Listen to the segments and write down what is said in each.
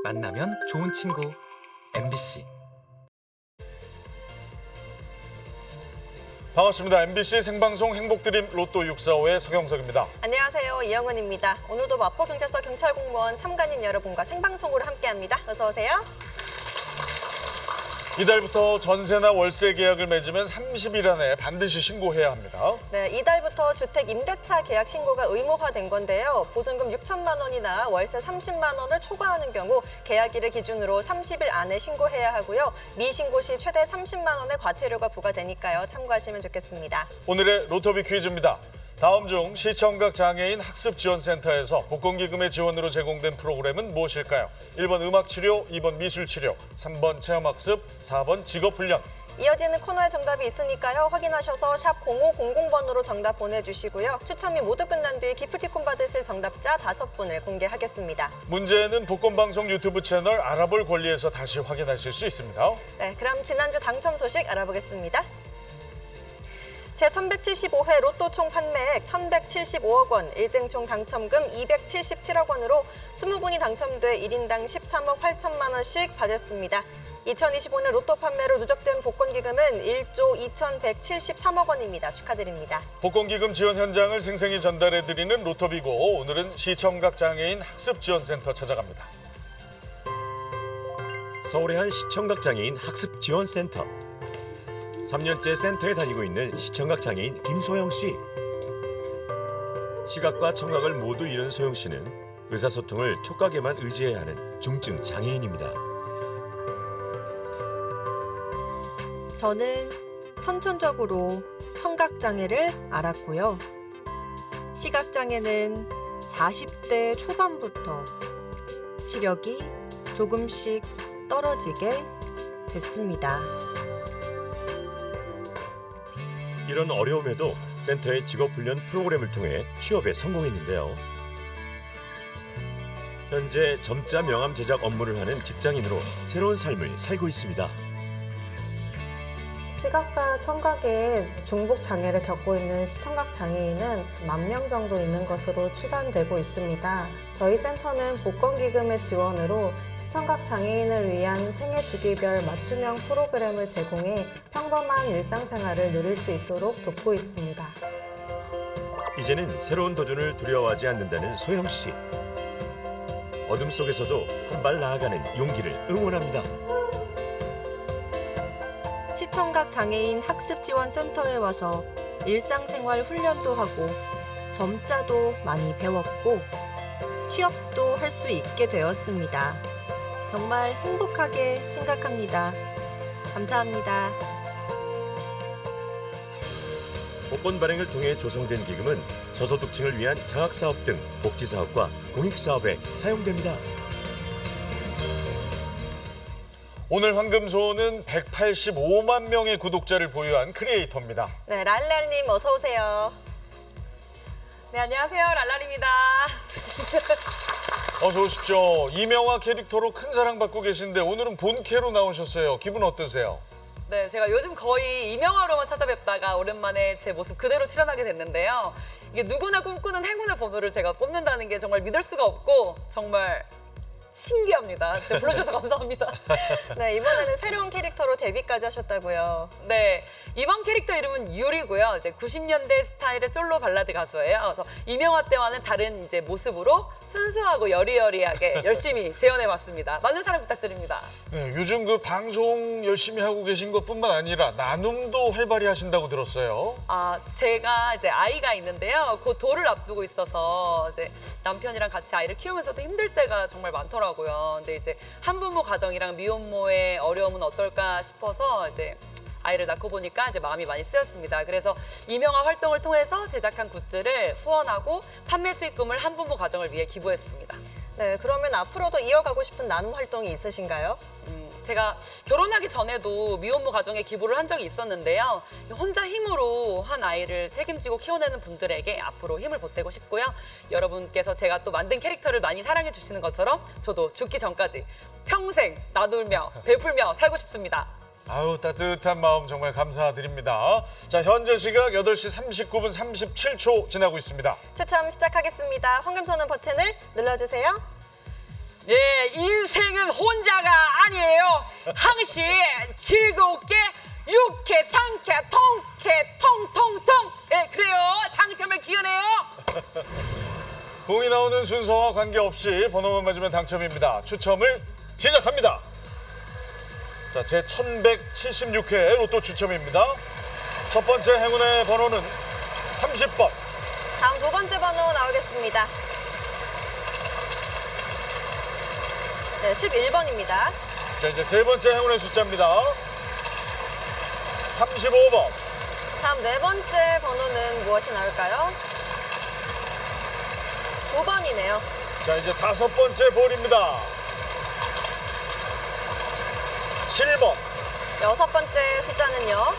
만나면 좋은 친구 MBC. 반갑습니다. MBC 생방송 행복드림 로또 645의 서경석입니다. 안녕하세요. 이영은입니다. 오늘도 마포경찰서 경찰공무원 참관인 여러분과 생방송으로 함께합니다. 어서 오세요. 이달부터 전세나 월세 계약을 맺으면 30일 안에 반드시 신고해야 합니다. 네, 이달부터 주택 임대차 계약 신고가 의무화된 건데요. 보증금 6천만 원이나 월세 30만 원을 초과하는 경우 계약일을 기준으로 30일 안에 신고해야 하고요. 미신고 시 최대 30만 원의 과태료가 부과되니까요. 참고하시면 좋겠습니다. 오늘의 로터비 퀴즈입니다. 다음 중 시청각 장애인 학습지원센터에서 복권기금의 지원으로 제공된 프로그램은 무엇일까요? 1번 음악치료, 2번 미술치료, 3번 체험학습, 4번 직업훈련. 이어지는 코너에 정답이 있으니까요. 확인하셔서 샵 0500번으로 정답 보내주시고요. 추첨이 모두 끝난 뒤 기프티콘 받으실 정답자 5분을 공개하겠습니다. 문제는 복권방송 유튜브 채널 알아볼 권리에서 다시 확인하실 수 있습니다. 네, 그럼 지난주 당첨 소식 알아보겠습니다. 제1175회 로또 총 판매액 1,175억 원, 1등 총 당첨금 277억 원으로 20분이 당첨돼 1인당 13억 8천만 원씩 받았습니다. 2025년 로또 판매로 누적된 복권기금은 1조 2,173억 원입니다. 축하드립니다. 복권기금 지원 현장을 생생히 전달해드리는 로터비고 오늘은 시청각 장애인 학습지원센터 찾아갑니다. 서울의 한 시청각 장애인 학습지원센터. 3년째 센터에 다니고 있는 시청각 장애인 김소영 씨. 시각과 청각을 모두 잃은 소영 씨는 의사소통을 촉각에만 의지해야 하는 중증 장애인입니다. 저는 선천적으로 청각장애를 앓았고요. 시각장애는 40대 초반부터 시력이 조금씩 떨어지게 됐습니다. 이런 어려움에도 센터의 직업훈련 프로그램을 통해 취업에 성공했는데요. 현재 점자 명함 제작 업무를 하는 직장인으로 새로운 삶을 살고 있습니다. 시각과 청각에 중복 장애를 겪고 있는 시청각 장애인은 10,000명 정도 있는 것으로 추산되고 있습니다. 저희 센터는 복권기금의 지원으로 시청각 장애인을 위한 생애 주기별 맞춤형 프로그램을 제공해 평범한 일상생활을 누릴 수 있도록 돕고 있습니다. 이제는 새로운 도전을 두려워하지 않는다는 소영 씨. 어둠 속에서도 한 발 나아가는 용기를 응원합니다. 시청각 장애인 학습지원센터에 와서 일상생활 훈련도 하고 점자도 많이 배웠고 취업도 할 수 있게 되었습니다. 정말 행복하게 생각합니다. 감사합니다. 복권 발행을 통해 조성된 기금은 저소득층을 위한 장학사업 등 복지사업과 공익사업에 사용됩니다. 오늘 황금소는 185만 명의 구독자를 보유한 크리에이터입니다. 네, 랄랄님 어서 오세요. 네, 안녕하세요. 랄랄입니다. 어서 오십시오. 이명화 캐릭터로 큰 사랑받고 계신데 오늘은 본캐로 나오셨어요. 기분 어떠세요? 네, 제가 요즘 거의 이명화로만 찾아뵙다가 오랜만에 제 모습 그대로 출연하게 됐는데요. 이게 누구나 꿈꾸는 행운의 번호를 제가 뽑는다는 게 정말 믿을 수가 없고 정말 신기합니다. 제가 불러주셔서 감사합니다. 네, 이번에는 새로운 캐릭터로 데뷔까지 하셨다고요. 네, 이번 캐릭터 이름은 유리고요. 이제 90년대 스타일의 솔로 발라드 가수예요. 그래서 이명화 때와는 다른 이제 모습으로 순수하고 여리여리하게 열심히 재현해봤습니다. 많은 사랑 부탁드립니다. 네, 요즘 그 방송 열심히 하고 계신 것뿐만 아니라 나눔도 활발히 하신다고 들었어요. 아, 제가 이제 아이가 있는데요. 곧 돌을 앞두고 있어서 이제 남편이랑 같이 아이를 키우면서도 힘들 때가 정말 많더라고요. 근데 이제 한부모 가정이랑 미혼모의 어려움은 어떨까 싶어서 이제 아이를 낳고 보니까 이제 마음이 많이 쓰였습니다. 그래서 이명화 활동을 통해서 제작한 굿즈를 후원하고 판매 수익금을 한부모 가정을 위해 기부했습니다. 네, 그러면 앞으로도 이어가고 싶은 나눔 활동이 있으신가요? 제가 결혼하기 전에도 미혼모 가정에 기부를 한 적이 있었는데요. 혼자 힘으로 한 아이를 책임지고 키워내는 분들에게 앞으로 힘을 보태고 싶고요. 여러분께서 제가 또 만든 캐릭터를 많이 사랑해 주시는 것처럼 저도 죽기 전까지 평생 나누며 베풀며 살고 싶습니다. 아유, 따뜻한 마음 정말 감사드립니다. 자, 현재 시각 8시 39분 37초 지나고 있습니다. 추첨 시작하겠습니다. 황금선언 버튼을 눌러주세요. 예, 인생은 혼자가 아니에요. 항시 즐겁게 유쾌, 상쾌, 통쾌, 통통통. 예, 그래요. 당첨을 기원해요. 공이 나오는 순서와 관계없이 번호만 맞으면 당첨입니다. 추첨을 시작합니다. 자, 제 1176회 로또 추첨입니다. 첫 번째 행운의 번호는 30번. 다음 두 번째 번호 나오겠습니다. 네, 11번입니다. 자, 이제 세 번째 행운의 숫자입니다. 35번. 다음 네 번째 번호는 무엇이 나올까요? 9번이네요. 자, 이제 다섯 번째 볼입니다. 7번. 여섯 번째 숫자는요.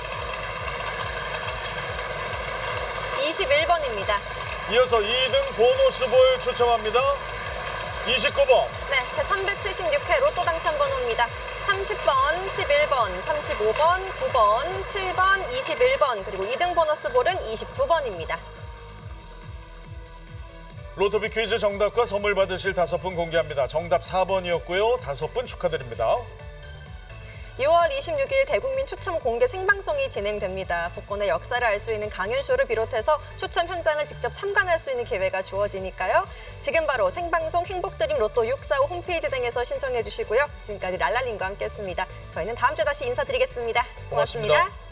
21번입니다. 이어서 2등 보너스 볼 추첨합니다. 29번. 네, 제 1176회 로또 당첨 번호입니다. 30번, 11번, 35번, 9번, 7번, 21번, 그리고 2등 보너스 볼은 29번입니다. 로또비 퀴즈 정답과 선물 받으실 5분 공개합니다. 정답 4번이었고요. 5분 축하드립니다. 6월 26일 대국민 추첨 공개 생방송이 진행됩니다. 복권의 역사를 알 수 있는 강연쇼를 비롯해서 추첨 현장을 직접 참관할 수 있는 기회가 주어지니까요. 지금 바로 생방송 행복드림 로또 645 홈페이지 등에서 신청해 주시고요. 지금까지 랄랄님과 함께했습니다. 저희는 다음 주에 다시 인사드리겠습니다. 고맙습니다. 고맙습니다.